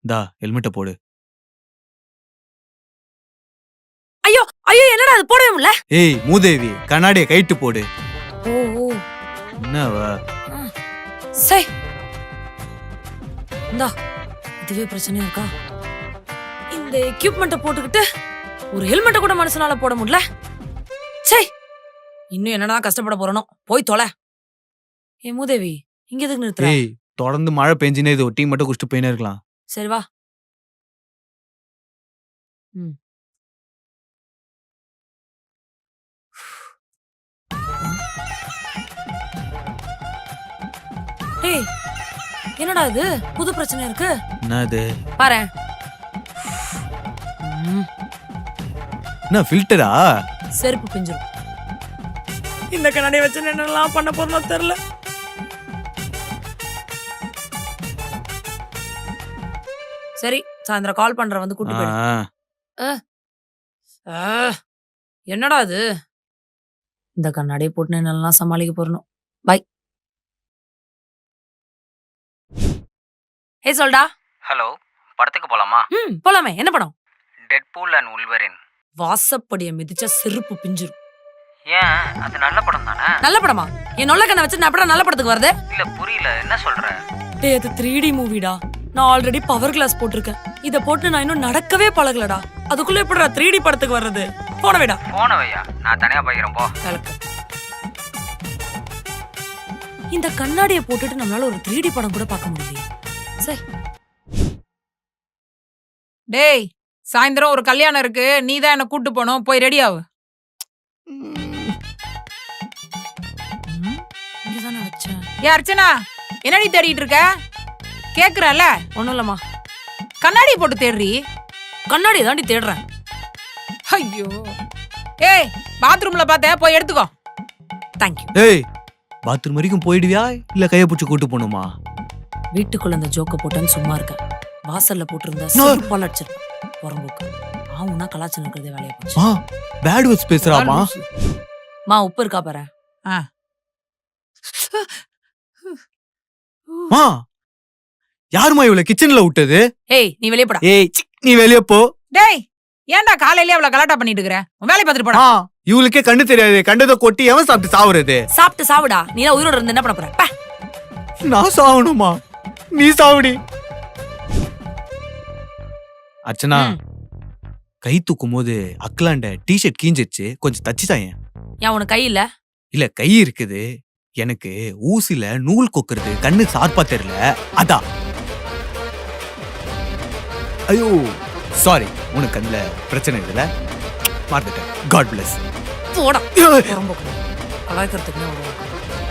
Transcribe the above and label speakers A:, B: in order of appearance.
A: தா ஹெல்மெட்டை போடு.
B: ஐயோ ஐயோ, என்னடா அது போடவே முடியல.
A: ஏய் மூதேவி, கண்ணாடியை கைட்டு போடு.
B: ஓ ஓ,
A: என்னவா?
B: சை இந்தா, இதுவே பிரச்சனையா இருக்கா? இந்த எக்யூப்மெண்ட்டை போட்டுக்கிட்டு ஒரு ஹெல்மெட்டை கூட மனுஷனால போட முடியல. சை, இன்னும் என்னடா கஷ்டப்பட போறனோ. போய் தொலை. ஏ மூதேவி, இங்க எதுக்கு நிறுத்துற?
A: ஏய், தொடர்ந்து மழை பெஞ்சினே இது ஒரு டீ மட்டும் குடிச்சிட்டு போயினே இருக்கலாம்.
B: சரி வா. ஏய், என்னடா இது புது பிரச்சனை இருக்கு?
A: என்னது?
B: பாரு.
A: என்ன ஃபில்டரா?
B: செருப்பு பிஞ்சிரும். இந்த கண்ணாடியை வச்சு என்னெல்லாம் பண்ண போறனோ தெரியல. சரி, சாயந்தரம் கால் பண்ற, வந்து கூட்டி போயிடு. என்னடா இது? இந்த கண்ணாடியை போட்டு என்னெல்லாம் சமாளிக்க போறணும். பை. ஹே சொல்டா.
C: ஹலோ, படத்துக்கு போலாமா?
B: போலாமே. என்ன படம்?
C: Deadpool and உல்வரின்.
B: வாசப்படிய மிதிச்சா செருப்பு பிஞ்சிரும்.
C: ஏன், அது நல்ல படம் தானே?
B: நல்ல படமா? என் நொல்ல கண்ணை வச்சு நான் எப்படா நல்ல படத்துக்கு வருது?
C: இல்ல புரியல, என்ன சொல்ற?
B: டேய், அது 3D மூவிடா. நான் ஆல்ரெடி பவர் கிளாஸ் போட்டிருக்கேன். இத போட்டு நான் இன்னும் நடக்கவே பழகலடா. அதுக்குள்ள எப்படிடா 3D படத்துக்கு வர்றது? போன வைடா.
C: போன வையா, நான் தனியா போய்க்கிறேன் போ.
B: இந்த கண்ணாடியை போட்டுட்டு நம்மளால ஒரு 3D படம் கூட பார்க்க முடியலையே. சரி.
D: டேய், சாயந்தரம் ஒரு கல்யாணம் இருக்கு, நீ தான் என்ன கூட்டு போனோம். போய் ரெடி ஆகு.
B: இங்கதானே வச்சேன்.
D: ஏ அர்ச்சனா, என்னடி தேடிட்டு இருக்க? கேக்குறல?
B: ஒண்ணும் இல்லம்மா.
D: கண்ணாடி போட்டு தேடுறி.
B: கண்ணாடி தாண்டி தேடுறேன்.
D: ஐயோ. ஏய், பாத்ரூம்ல பார்த்த, போய் எடுத்துக்கோ.
B: தேங்க்யூ.
A: ஏய், பாத்ரூம் வரைக்கும் போயிடுவியா இல்ல கையை பிடிச்சி கூட்டு போகணுமா?
B: வீட்டுக்குள்ள இந்த ஜோக்க போட்டேன்னு சும்மா இருக்கேன். வாசல்ல போட்டிருந்தா செருப்பால் அடிச்சிருப்பேன். புறம்போக்கு ஆவுனா கலாச்சாரம் இருக்கிறதே வேலையை போச்சு.
A: பேட் வேர்ட்ஸ் பேசுறாமா?
B: மா, உப்பு இருக்கா பாரு.
A: மா, யாருமா இவ்வளவு கிச்சன்ல விட்டது?
B: ஏய், நீ வெளியே போடா.
A: ஏய், நீ வெளியே போ.
D: டேய், ஏன்டா காலையிலே அவ்வளவு கலாட்டா பண்ணிட்டு இருக்கற? உன் வேலைய பார்த்துட்டு போடா.
A: இவளுக்கே கண்ணு தெரியாது. கண்டதை கொட்டி எவன் சாப்பிட்டு சாவுறது?
B: சாப்பிட்டு சாவுடா. நீ எல்லாம் உயிரோட இருந்து என்ன பண்ண போற? பா.
A: நான் சாவணுமா? நீ சாவுடி. அர்ச்சனா, கை தூக்கும் போது அக்கலாண்ட டிஷர்ட் கீஞ்சிச்சு, கொஞ்சம் தச்சு தாயேன்.
B: ஏன் உனக்கு கை இல்ல?
A: இல்ல, கை இருக்குது. எனக்கு ஊசில நூல் கொக்குறது கண்ணு சார்பா தெரியல, அதான். ஐயோ சாரி, உனக்கு அதுல பிரச்சனை இல்ல, மறந்துட்டேன். God bless.
B: போடா. புறம்போக்கு கலாய்க்கிறதுக்குன்னு வருவாங்க.